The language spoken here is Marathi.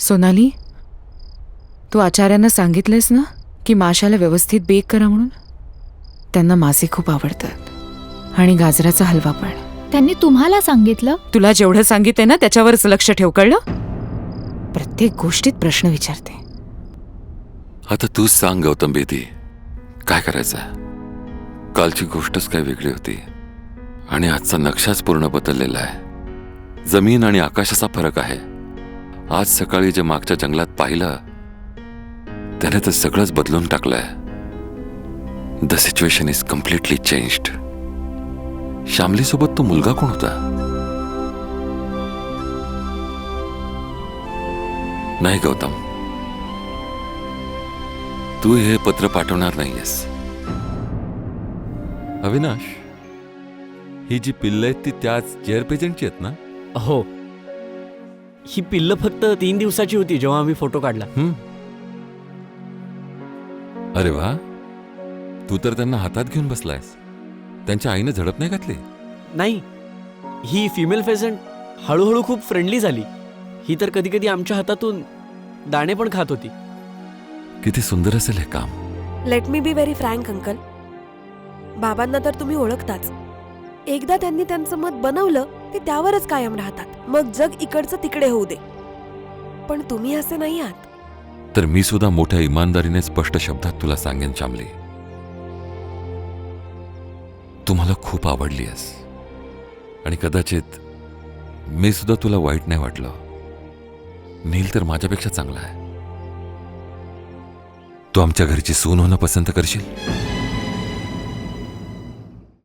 सोनाली, तू आचार्यांना सांगितलंस ना की माशाला व्यवस्थित बेक करा म्हणून? त्यांना मासे खूप आवडतात आणि गाजराचा हलवा पण. त्यांनी तुम्हाला सांगितलं? तुला जेवढं सांगितलंय ना त्याच्यावरच लक्ष ठेव, कळलं? प्रत्येक गोष्टीत प्रश्न विचारते. आता तूच सांग गौतम बेदी, काय करायचं? कालची गोष्टच काय वेगळी होती आणि आजचा नक्षाच पूर्ण बदललेला आहे. जमीन आणि आकाशाचा फरक आहे. आज सकाळी जे मागच्या जंगलात पाहिलं त्याने तर सगळंच बदलून टाकलंय. The situation is completely changed. Shyamali सोबत तो मुलगा कोण होता? नाही गौतम, तू हे पत्र पाठवणार नाहीयेस. अविनाश, ही जी पिल्लं आहेत ती त्याच जेअर पेजंटची आहेत ना? हो, ही पिल्लं फक्त 3 दिवसाची होती जेव्हा आम्ही फोटो काढला. अरे वा, तू तर त्यांना हातात घेऊन बसलायस. त्यांच्या आईने झडप नाही घातली? नाही, ही फिमेल फेझंट हळूहळू खूप फ्रेंडली झाली. ही तर कधी कधी आमच्या हातातून दाणे पण खात होती. किती सुंदर असेल हे काम. Let me be very frank uncle, बाबांना तर तुम्ही ओळखताच. एकदा त्यांनी त्यांचं मत बनवलं ते त्यावरच कायम राहतात. मग जग इकडचं तिकडे होऊ दे. पण तुम्ही असे नाही आहात. तर मी सुद्धा मोठ्या इमानदारीने स्पष्ट शब्दात तुला सांगेन श्यामली, तू मला खूप आवडली आहेस आणि कदाचित मी सुद्धा तुला वाईट नाही वाटलं. नील तर माझ्यापेक्षा चांगला आहे. तू आमच्या घरची सून होणं पसंत करशील?